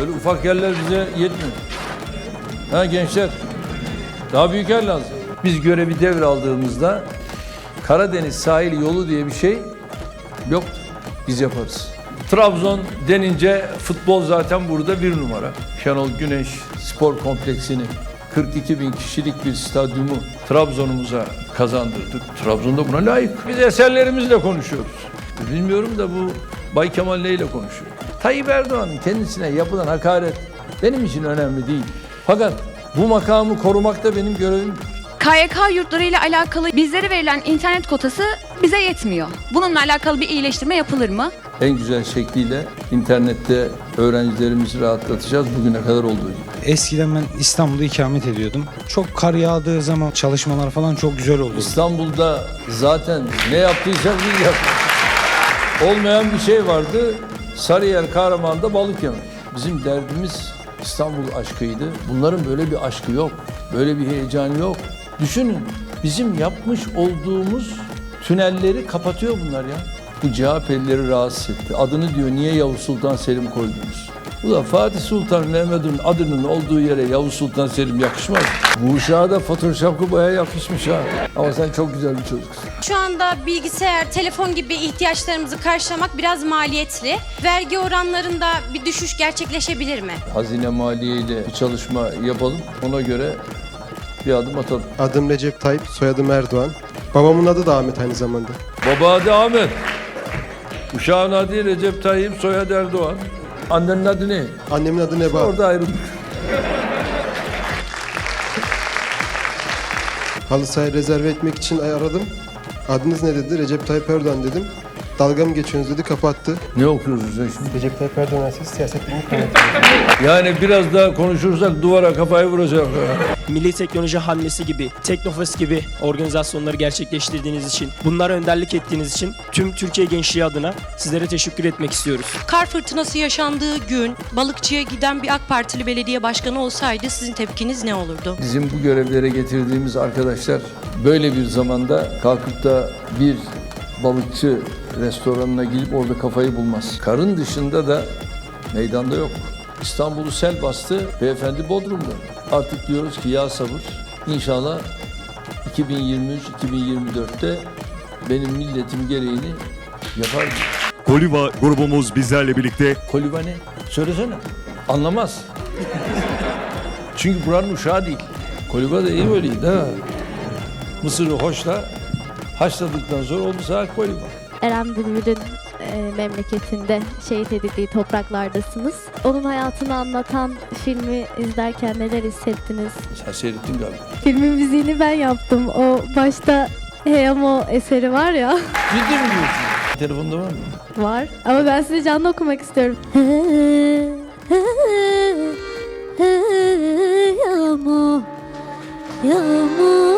Böyle ufak yerler bize yetmiyor. Ha gençler, daha büyük yer lazım. Biz görevi devraldığımızda Karadeniz sahil yolu diye bir şey yoktu. Biz yaparız. Trabzon denince futbol zaten burada bir numara. Şenol Güneş spor kompleksini 42 bin kişilik bir stadyumu Trabzon'umuza kazandırdık. Trabzon'da buna layık. Biz eserlerimizle konuşuyoruz. Bilmiyorum da bu Bay Kemal neyle konuşuyor? Tayyip Erdoğan'ın kendisine yapılan hakaret benim için önemli değil. Fakat bu makamı korumak da benim görevim. KYK yurtları ile alakalı bizlere verilen internet kotası bize yetmiyor. Bununla alakalı bir iyileştirme yapılır mı? En güzel şekliyle internette öğrencilerimizi rahatlatacağız bugüne kadar olduğu gibi. Eskiden ben İstanbul'da ikamet ediyordum. Çok kar yağdığı zaman çalışmalar falan çok güzel oldu. İstanbul'da zaten ne yaptıysak biz yaptık. Olmayan bir şey vardı. Sarıyer Kahraman'da balık yemek. Bizim derdimiz İstanbul aşkıydı. Bunların böyle bir aşkı yok. Böyle bir heyecanı yok. Düşünün, bizim yapmış olduğumuz tünelleri kapatıyor bunlar ya. Bu CHP'lileri rahatsız etti. Adını diyor niye Yavuz Sultan Selim koydunuz? Ulan Fatih Sultan Mehmet'in adının olduğu yere Yavuz Sultan Selim yakışmaz. Bu uşağa da Photoshop'u bayağı yakışmış ha. Ama sen çok güzel bir çocuksun. Şu anda bilgisayar, telefon gibi ihtiyaçlarımızı karşılamak biraz maliyetli. Vergi oranlarında bir düşüş gerçekleşebilir mi? Hazine Maliye ile bir çalışma yapalım. Ona göre bir adım atalım. Adım Recep Tayyip, soyadım Erdoğan. Babamın adı da Ahmet aynı zamanda. Baba adı Ahmet. Uşağın adı Recep Tayyip, soyadı Erdoğan. Annenin adı ne? Annemin adı Neba. Orada ayrıldık. Halı sahayı rezerve etmek için aradım. Adınız ne dedi? Recep Tayyip Erdoğan dedim. Dalga mı geçiyorsunuz dedi, kapattı. Ne okuyorsun sen şimdi? Recep Tayyip Erdoğan Üniversitesi Siyaset Bilimi Kaynakları. Yani biraz daha konuşursak duvara kafayı vuracak. Milli Teknoloji Hamlesi gibi, Teknofest gibi organizasyonları gerçekleştirdiğiniz için, bunlara önderlik ettiğiniz için tüm Türkiye gençliği adına sizlere teşekkür etmek istiyoruz. Kar fırtınası yaşandığı gün balıkçıya giden bir AK Partili belediye başkanı olsaydı sizin tepkiniz ne olurdu? Bizim bu görevlere getirdiğimiz arkadaşlar böyle bir zamanda kalkıp da bir balıkçı restoranına gidip orada kafayı bulmaz. Karın dışında da meydanda yok. İstanbul'u sel bastı, beyefendi Bodrum'da. Artık diyoruz ki ya sabır. İnşallah 2023-2024'te benim milletim gereğini yapar. Koliva grubumuz bizlerle birlikte. Koliva ne? Söylesene. Anlamaz. Çünkü buranın uşağı değil. Koliva da iyi böyleydi ha. Mısır'ı hoşla, haşladıktan sonra oldu saat koliva. Eren Bülbül'ün memleketinde şehit edildiği topraklardasınız. Onun hayatını anlatan filmi izlerken neler hissettiniz? Sen seyrettin galiba. Filmin müziğini ben yaptım. O başta Heyamo eseri var ya. Ciddi mi diyorsun? Telefonda var mı? Var. Ama ben size canlı okumak istiyorum. Heyamo, Heyamo.